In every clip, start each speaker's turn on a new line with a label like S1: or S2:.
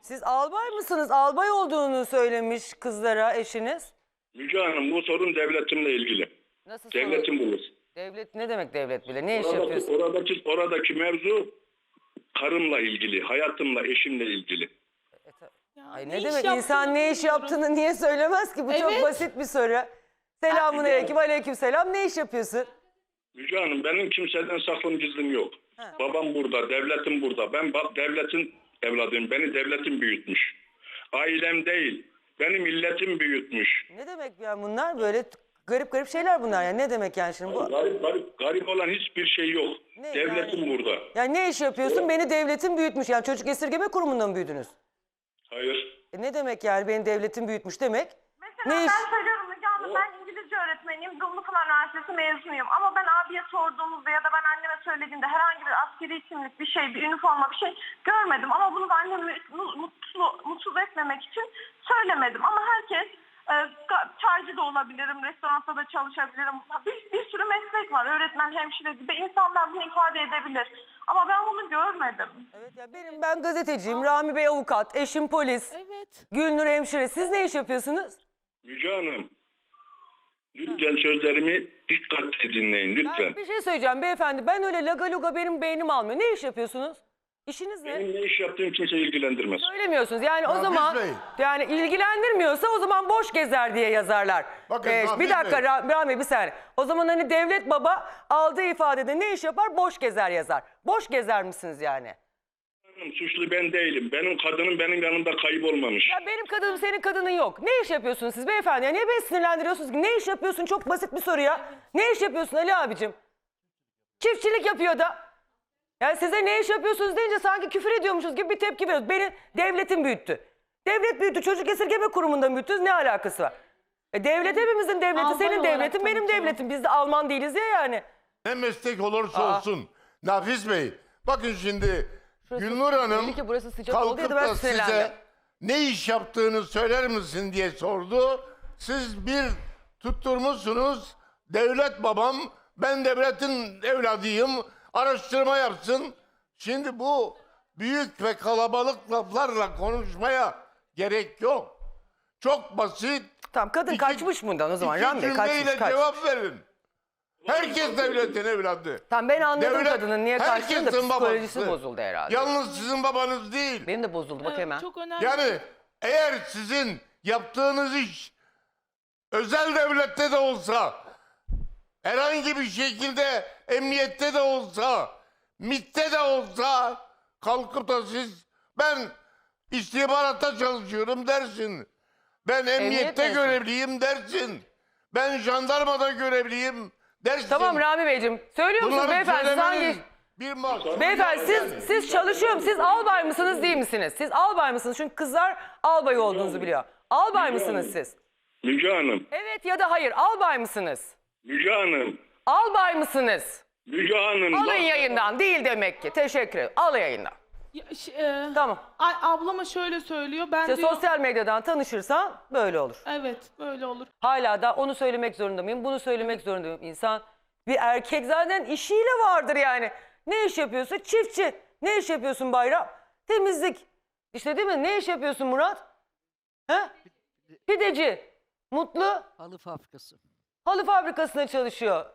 S1: Siz albay mısınız? Albay olduğunu söylemiş kızlara eşiniz.
S2: Müge Hanım, bu sorun devletimle ilgili.
S1: Nasıl
S2: Devletim
S1: sorun?
S2: bulur.
S1: Devlet ne demek devlet bile? Ne iş yapıyorsun?
S2: Oradaki mevzu karımla ilgili, hayatımla, eşimle ilgili.
S1: Ay
S3: ne
S1: ne
S3: iş
S1: demek
S3: yaptığını
S1: insan ne iş
S3: bilmiyorum.
S1: yaptığını niye söylemez ki? Bu çok
S3: Evet.
S1: basit bir soru. Selamun aleyküm, aleyküm selam. Ne iş yapıyorsun?
S2: Müge Hanım, benim kimseden saklım gizlim yok. Babam burada, devletim burada. Ben devletin evladıyım. Beni devletim büyütmüş. Ailem değil, beni milletim büyütmüş.
S1: Ne demek yani bunlar? Böyle garip garip şeyler bunlar yani. Ne demek yani şimdi bu?
S2: Garip olan hiçbir şey yok.
S1: Ne,
S2: Devletim
S1: yani?
S2: burada.
S1: Yani ne iş yapıyorsun? Beni devletin büyütmüş. Yani çocuk esirgeme kurumunda mı büyüdünüz?
S2: Hayır.
S1: Ne demek yani beni devletin büyütmüş demek?
S4: Mesela
S1: Ne iş?
S4: ben söylüyorum Müge Hanım, ben İngilizce öğretmeniyim, Dumlupınar Üniversitesi mezunuyum. Ama ben abiye sorduğumuzda ya da ben anneme söylediğimde herhangi bir askeri kimlik, bir şey, bir üniforma, bir şey görmedim. Ama bunu da annemi mutsuz etmemek için söylemedim. Ama herkes, çaycı da olabilirim, restoranda da çalışabilirim. Bir sürü meslek var, öğretmen, hemşire gibi. İnsanlar bunu ifade edebilir. Ama ben bunu görmedim.
S1: Evet ya ben gazeteciyim. Rami Bey avukat, eşim polis.
S3: Evet.
S1: Gülnur hemşire. Siz ne iş yapıyorsunuz?
S2: Müge Hanım, lütfen sözlerimi dikkatle dinleyin, lütfen.
S1: Ben bir şey söyleyeceğim beyefendi. Ben öyle laga luga benim beynim almıyor. Ne iş yapıyorsunuz? İşiniz ne?
S2: Benim ne iş yaptığım kimse ilgilendirmez.
S1: Söylemiyorsunuz. Yani o
S5: Nafiz
S1: zaman
S5: Bey.
S1: yani ilgilendirmiyorsa o zaman boş gezer diye yazarlar.
S5: Bakın Nafiz
S1: bir dakika
S5: Bey.
S1: Rami bir saniye. O zaman hani devlet baba aldığı ifadede ne iş yapar? Boş gezer yazar. Boş gezer misiniz yani?
S2: Suçlu ben değilim. Benim kadınım benim yanımda kaybolmamış.
S1: Ya benim kadınım senin kadının yok. Ne iş yapıyorsunuz siz beyefendi? Ya niye beni sinirlendiriyorsunuz ki? Ne iş yapıyorsun? Çok basit bir soru ya. Ne iş yapıyorsun Ali abicim? Çiftçilik yapıyor da. Yani size ne iş yapıyorsunuz deyince sanki küfür ediyormuşuz gibi bir tepki veriyoruz. Beni devletin büyüttü. Devlet büyüttü. Çocuk esirgeme kurumunda mı büyüttünüz? Ne alakası var? Devlet hepimizin devleti.
S3: Albay
S1: Senin
S3: olarak
S1: devletin benim
S3: tanıtıyor.
S1: devletim. Biz de Alman değiliz ya yani.
S5: Ne meslek olursa olsun. Nafiz Bey, bakın şimdi Gülnur Hanım
S1: belli ki burası sıcak oldu ya
S5: kalkıp
S1: da ben
S5: da
S1: sinirlendim.
S5: size ne iş yaptığını söyler misin diye sordu. Siz bir tutturmuşsunuz, devlet babam, ben devletin evladıyım, araştırma yapsın. Şimdi bu büyük ve kalabalık laflarla konuşmaya gerek yok. Çok basit.
S1: Tamam kadın
S5: İki-
S1: kaçmış bundan o zaman.
S5: İki
S1: Rami Bey
S5: cümleyle
S1: kaçmış.
S5: cevap verin. Herkes devletin evladı.
S1: Tamam ben anladım
S5: Devlet
S1: kadının niye kaçtığını da
S5: herkesin
S1: psikolojisi
S5: babası.
S1: bozuldu herhalde.
S5: Yalnız sizin babanız değil.
S1: Benim de bozuldu bak
S3: Evet,
S1: hemen.
S3: çok önemli.
S5: Yani eğer sizin yaptığınız iş özel devlette de olsa, herhangi bir şekilde emniyette de olsa, MİT'te de olsa kalkıp da siz ben istihbaratta çalışıyorum dersin. Ben emniyette
S1: mezunu.
S5: görevliyim dersin. Ben jandarmada görevliyim dersin.
S1: Tamam Rami Beyciğim. Söylüyor musunuz
S5: Bunları
S1: beyefendi? Siz hangi...
S5: söylemenin bir mahsuru
S1: Beyefendi
S5: yok.
S1: siz çalışıyor musunuz? Siz albay mısınız değil misiniz? Siz albay mısınız? Çünkü kızlar albay olduğunuzu biliyor. Albay mısınız siz?
S2: Müge Hanım,
S1: Evet ya da hayır. Albay mısınız?
S2: Müge Hanım,
S1: Albay mısınız?
S2: Müge Hanım.
S1: Alın
S2: bak-
S1: yayından. Değil demek ki. Teşekkür ederim. Al yayından.
S3: Ya,
S1: Tamam.
S3: Ablama şöyle söylüyor. Ben
S1: İşte
S3: diyor,
S1: sosyal medyadan tanışırsan böyle olur.
S3: evet böyle olur.
S1: Hala da onu söylemek zorunda mıyım? Bunu söylemek zorunda mıyım? İnsan bir erkek zaten işiyle vardır yani. Ne iş yapıyorsun? Çiftçi. Ne iş yapıyorsun Bayram? Temizlik. İşte değil mi? Ne iş yapıyorsun Murat? He? Pideci. Mutlu.
S6: Halı fabrikası.
S1: Halı fabrikasında çalışıyor.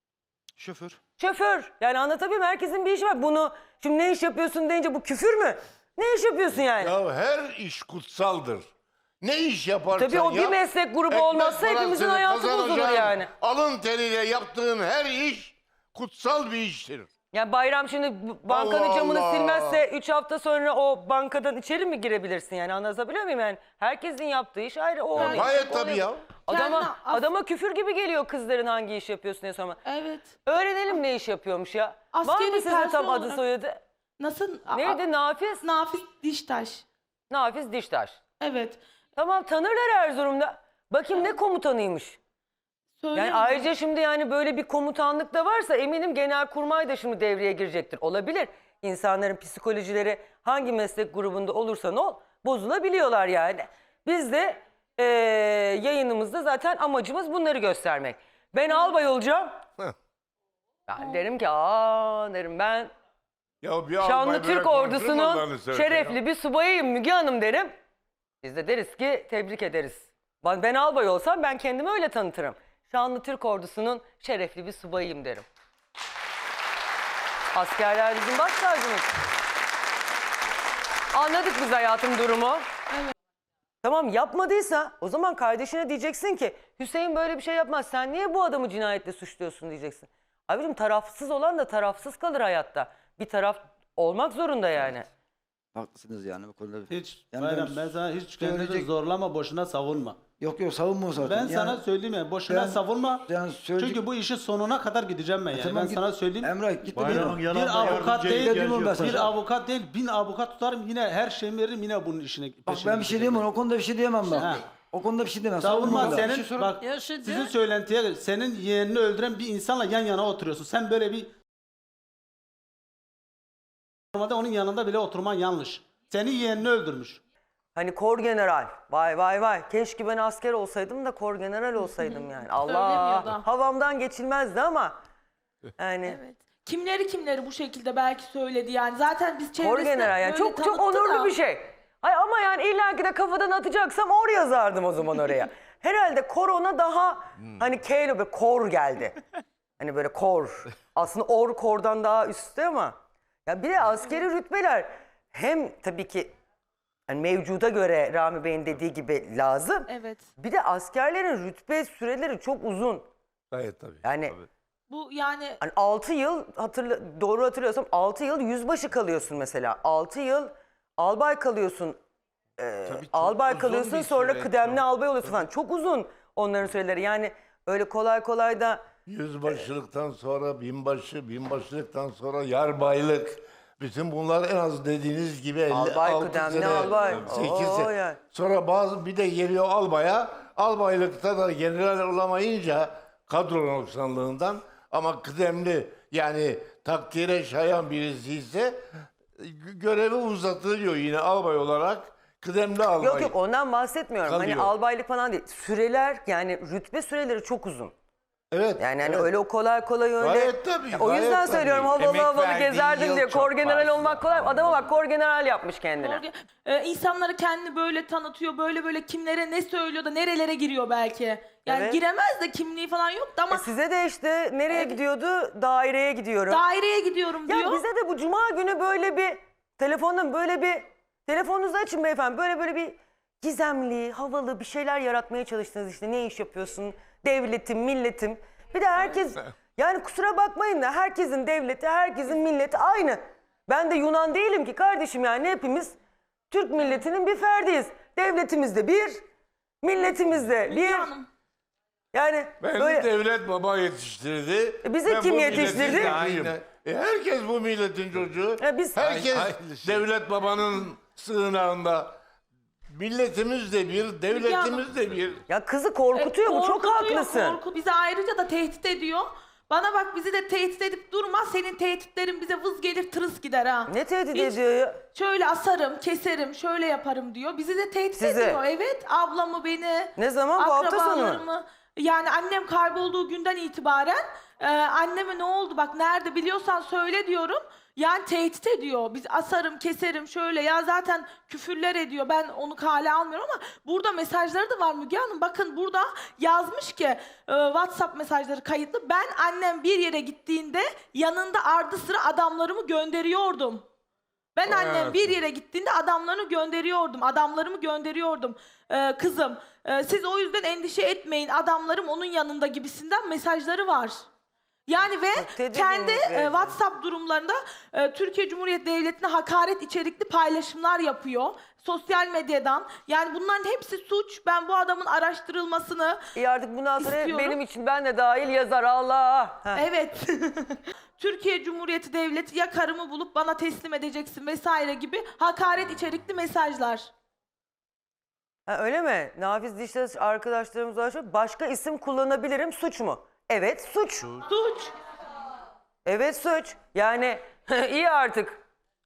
S6: Şoför.
S1: Şoför. Yani anlatabiliyor muyum? Herkesin bir işi var. Bunu şimdi ne iş yapıyorsun deyince bu küfür mü? Ne iş yapıyorsun yani?
S5: Ya her iş kutsaldır. Ne iş yaparsan
S1: Tabii o bir
S5: yap,
S1: meslek grubu
S5: ekmek
S1: olmazsa hepimizin
S5: parasını
S1: hayatı bozulur
S5: kazanacağın,
S1: yani.
S5: Alın teriyle yaptığın her iş kutsal bir iştir.
S1: Yani Bayram şimdi bankanın
S5: Allah
S1: camını
S5: Allah.
S1: silmezse 3 hafta sonra o bankadan içeri mi girebilirsin yani anlatabiliyor muyum yani? Herkesin yaptığı iş ayrı. O onun
S5: Gayet
S1: işi, o
S5: tabii
S1: onun-
S5: ya.
S1: Adama küfür gibi geliyor kızların hangi iş yapıyorsun diye sorma.
S3: Evet.
S1: Öğrenelim ne iş yapıyormuş ya. Var
S3: Askeri
S1: mı sizin
S3: personel
S1: tam adı
S3: olarak-
S1: soyadı?
S3: Nasıl?
S1: Neydi Nafiz?
S3: Nafiz Diştaş.
S1: Nafiz Diştaş.
S3: Evet.
S1: Tamam tanırlar Erzurum'da. Bakayım ne komutanıymış.
S3: Söyle.
S1: Yani ayrıca şimdi yani böyle bir komutanlık da varsa eminim Genelkurmay da şimdi devreye girecektir. Olabilir. İnsanların psikolojileri hangi meslek grubunda olursa ne ol bozulabiliyorlar yani. Biz de yayınımızda zaten amacımız bunları göstermek. Ben albay olacağım.
S5: Heh.
S1: Ben derim ki derim
S5: Ya bir albay
S1: Şanlı
S5: böyle
S1: Türk
S5: konuşur mu
S1: ordusunun
S5: Allah'ını seversen
S1: şerefli
S5: ya?
S1: bir subayıyım Müge Hanım derim. Biz de deriz ki tebrik ederiz. Ben albay olsam ben kendimi öyle tanıtırım. Şanlı Türk ordusunun şerefli bir subayıyım derim. Askerler bizim baş tacımız. Anladık biz hayatım durumu. Tamam, yapmadıysa o zaman kardeşine diyeceksin ki Hüseyin böyle bir şey yapmaz. Sen niye bu adamı cinayetle suçluyorsun diyeceksin. Abicim, tarafsız olan da tarafsız kalır hayatta. Bir taraf olmak zorunda yani.
S6: Haklısınız yani bu konuda.
S7: Hiç
S6: Yani
S7: Bayram,
S6: ben
S7: ben sana hiç kendini
S6: söyleyecek-
S7: zorlama, boşuna savunma.
S6: Yok savunma zaten.
S7: Ben sana söyleyeyim ya, boşuna
S6: ben-
S7: savunma.
S6: yani söyleyecek-
S7: Çünkü bu işin sonuna kadar gideceğim ben yani.
S6: Tamam,
S7: ben
S6: git.
S7: sana söyleyeyim.
S6: Emrah git de
S8: Bayramın
S6: bir
S8: yanında
S7: avukat
S8: yardımcıya
S7: değil,
S8: ihtiyacı yok.
S6: ben
S7: Bir
S6: sana.
S7: avukat değil, 1000 avukat tutarım, yine her şeyimi veririm, yine bunun işine
S6: Bak
S7: peşine
S6: ben bir şey diyemem. O konuda bir şey diyemem ben.
S7: Ha.
S6: O konuda bir şey diyemem.
S7: Savunma
S6: da.
S7: senin,
S6: Bir şey sor-
S7: bak sizin söylentiye, senin yeğenini öldüren bir insanla yan yana oturuyorsun. Sen böyle bir... Normalde onun yanında bile oturman yanlış. Senin yeğenini öldürmüş.
S1: Hani kor general. Vay vay vay. Keşke ben asker olsaydım da kor general olsaydım yani. Allah.
S3: Söylemiyor da.
S1: Havamdan geçilmezdi ama. Yani
S3: Evet. Kimleri bu şekilde belki söyledi yani. Zaten biz
S1: kor
S3: çevresinde
S1: general yani
S3: böyle
S1: çok
S3: tanıttı
S1: onurlu
S3: da.
S1: bir şey. Ay ama yani illaki de kafadan atacaksam or yazardım o zaman oraya. Herhalde kor ona daha hani K ile böyle kor geldi. Hani böyle kor. Aslında or kordan daha üstte ama. Ya bir de askeri rütbeler hem tabii ki yani mevcuda göre Rami Bey'in dediği gibi lazım.
S3: Evet.
S1: Bir de askerlerin rütbe süreleri çok uzun.
S5: Gayet tabii.
S1: Yani
S5: tabii.
S3: Bu yani
S1: hani 6 yıl doğru hatırlıyorsam 6 yıl yüzbaşı kalıyorsun mesela. 6 yıl albay kalıyorsun. Albay
S5: uzun
S1: kalıyorsun
S5: bir
S1: sonra
S5: süreç
S1: kıdemli
S5: o.
S1: albay oluyorsun falan. Çok uzun onların süreleri. Yani öyle kolay kolay da
S5: Yüzbaşılıktan sonra binbaşı, binbaşılıktan sonra yarbaylık. Bütün bunlar en az dediğiniz gibi 50,
S1: Albay,
S5: 6
S1: kıdemli
S5: sene,
S1: albay.
S5: 8
S1: Oo,
S5: sene.
S1: yani.
S5: Sonra bir de geliyor albaya. Albaylıkta da general olamayınca kadro noksanlığından ama kıdemli yani takdire şayan birisi ise görevi uzatılıyor yine albay olarak. Kıdemli albay.
S1: yok yok ondan bahsetmiyorum.
S5: Kalıyor.
S1: Hani albaylık falan değil. Süreler yani rütbe süreleri çok uzun.
S5: Evet.
S1: Yani hani
S5: evet.
S1: öyle o kolay kolay öyle.
S5: Gayet tabii,
S1: O yüzden
S5: gayet
S1: söylüyorum
S5: tabii.
S1: havalı
S5: Emek
S1: havalı
S5: verdiği
S1: gezerdim
S5: yıl
S1: diye.
S5: çok
S1: Kor general
S5: fazla.
S1: olmak kolay. Adama bak kor general yapmış kendine.
S3: insanları kendini böyle tanıtıyor. Böyle kimlere ne söylüyor da nerelere giriyor belki. Yani
S1: Evet.
S3: giremez de kimliği falan yok da ama
S1: Size de işte nereye gidiyordu? Daireye gidiyorum.
S3: daireye gidiyorum
S1: Ya
S3: diyor.
S1: bize de bu cuma günü böyle bir telefonunuzu açın beyefendi. Böyle bir gizemli, havalı bir şeyler yaratmaya çalıştınız işte. Ne iş yapıyorsun? Devletim, milletim. Bir de herkes yani kusura bakmayın da herkesin devleti, herkesin milleti aynı. Ben de Yunan değilim ki kardeşim yani hepimiz Türk milletinin bir ferdiyiz. Devletimiz de bir, milletimiz de bir.
S3: Hanım.
S1: Yani
S5: Beni
S1: böyle
S5: devlet baba yetiştirdi.
S1: bizi
S5: Ben
S1: kim
S5: bu milletin
S1: yetiştirdi?
S5: çocuğuyum. Herkes bu milletin çocuğu.
S1: biz
S5: Herkes
S8: Aynı şey.
S5: devlet babanın sığınağında. Milletimiz de bir, devletimiz de bir.
S1: ya kızı korkutuyor bu çok
S3: Korkutuyor,
S1: haklısın.
S3: Bizi ayrıca da tehdit ediyor. Bana bak bizi de tehdit edip durma. Senin tehditlerin bize vız gelir tırıs gider ha.
S1: Ne tehdit
S3: Hiç-
S1: ediyor ya?
S3: Şöyle asarım, keserim, şöyle yaparım diyor. Bizi de tehdit
S1: Sizi?
S3: ediyor. Evet, ablamı, beni,
S1: Ne zaman? Bu hafta sonu.
S3: akrabalarımı. Yani annem kaybolduğu günden itibaren anneme ne oldu bak nerede biliyorsan söyle diyorum. Yani tehdit ediyor. Biz asarım, keserim şöyle ya zaten küfürler ediyor. Ben onu kale almıyorum ama burada mesajları da var Müge Hanım. Bakın burada yazmış ki WhatsApp mesajları kayıtlı. Ben annem bir yere gittiğinde yanında ardı sıra adamlarımı gönderiyordum. Ben annem bir yere gittiğinde adamlarımı gönderiyordum. Kızım siz o yüzden endişe etmeyin adamlarım onun yanında gibisinden mesajları var. Yani ve
S1: tedirginlik
S3: kendi
S1: verici.
S3: WhatsApp durumlarında Türkiye Cumhuriyeti Devleti'ne hakaret içerikli paylaşımlar yapıyor. Sosyal medyadan. Yani bunların hepsi suç. Ben bu adamın araştırılmasını
S1: İyi artık bundan sonra
S3: İstiyorum.
S1: benim için ben de dahil yazar Allah. Heh.
S3: evet. Türkiye Cumhuriyeti Devleti ya karımı bulup bana teslim edeceksin vesaire gibi hakaret içerikli mesajlar.
S1: Ha, öyle mi? Nafiz Diştaş arkadaşlarımız var. Başka isim kullanabilirim suç mu? Evet suç.
S3: Suç.
S1: Evet suç. Yani iyi artık.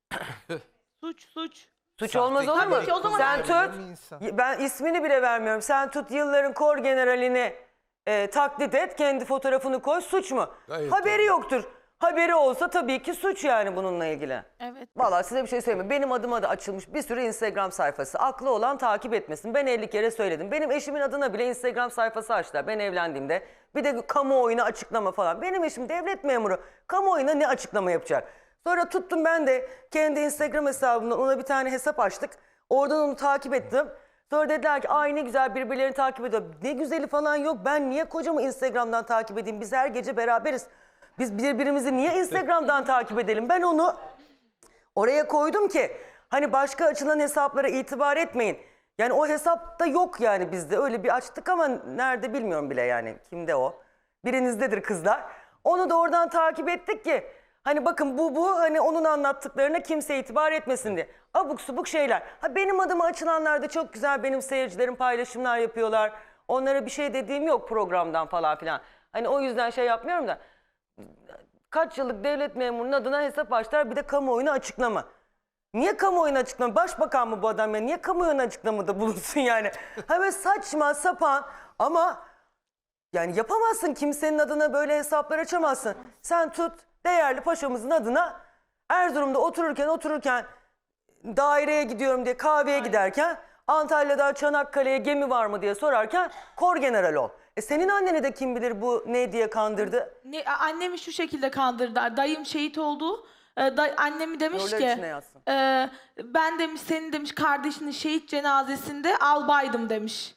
S3: Suç.
S1: Suç olmaz olur mu?
S3: Tabii ki, o zaman
S1: Sen
S3: her-
S1: tut. Ben ismini bile vermiyorum. Sen tut yılların kor generalini taklit et. Kendi fotoğrafını koy. Suç mu?
S5: Gayet
S1: Haberi
S5: tabii.
S1: yoktur. haberi olsa tabii ki suç yani bununla ilgili.
S3: Evet.
S1: Vallahi size bir şey söyleyeyim mi? Benim adıma da açılmış bir sürü Instagram sayfası. Aklı olan takip etmesin. Ben 50 kere söyledim. Benim eşimin adına bile Instagram sayfası açtılar ben evlendiğimde. Bir de kamuoyuna açıklama falan. Benim eşim devlet memuru. Kamuoyuna ne açıklama yapacak? Sonra tuttum ben de kendi Instagram hesabımdan ona bir tane hesap açtık. Oradan onu takip ettim. Sonra dediler ki ay ne güzel birbirlerini takip ediyor. Ne güzeli falan yok. Ben niye kocamı Instagram'dan takip edeyim? Biz her gece beraberiz. Biz birbirimizi niye Instagram'dan takip edelim? Ben onu oraya koydum ki hani başka açılan hesaplara itibar etmeyin. Yani o hesapta yok yani bizde. Öyle bir açtık ama nerede bilmiyorum bile yani. Kimde o? Birinizdedir kızlar. Onu da oradan takip ettik ki hani bakın bu hani onun anlattıklarına kimse itibar etmesin diye. Abuk subuk şeyler. Ha benim adıma açılanlar da çok güzel, benim seyircilerim paylaşımlar yapıyorlar. Onlara bir şey dediğim yok programdan falan filan. Hani o yüzden şey yapmıyorum da. Kaç yıllık devlet memurunun adına hesap açtılar, bir de kamuoyuna açıklama. Niye kamuoyuna açıklama? Başbakan mı bu adam ya? Niye kamuoyuna açıklamada bulunsun yani? Ha böyle saçma sapan ama yani yapamazsın, kimsenin adına böyle hesaplar açamazsın. Sen tut değerli paşamızın adına Erzurum'da otururken daireye gidiyorum diye kahveye giderken Antalya'dan Çanakkale'ye gemi var mı diye sorarken kor general ol. Senin anneni de kim bilir bu ne diye kandırdı?
S3: Annemi şu şekilde kandırdılar. Dayım şehit oldu. Annemi demiş
S1: Nurlar
S3: ki
S1: içine yatsın.
S3: ben demiş senin demiş kardeşinin şehit cenazesinde albaydım demiş.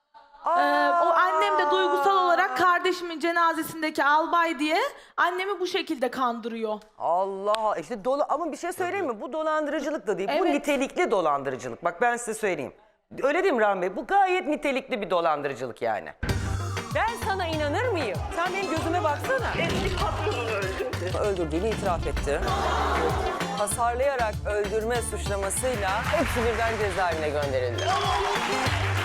S3: O annem de duygusal olarak kardeşimin cenazesindeki albay diye annemi bu şekilde kandırıyor.
S1: Allah işte ama bir şey söyleyeyim mi? Bu dolandırıcılık da değil. Bu
S3: Evet.
S1: nitelikli dolandırıcılık. Bak ben size söyleyeyim. Öyle değil mi Rahmi Bey? Bu gayet nitelikli bir dolandırıcılık yani. Ben sana inanır mıyım? Sen benim gözüme baksana.
S4: Eski patronunu öldürdü.
S1: Öldürdüğünü itiraf etti. Hasarlayarak öldürme suçlamasıyla hepsi birden cezaevine gönderildi.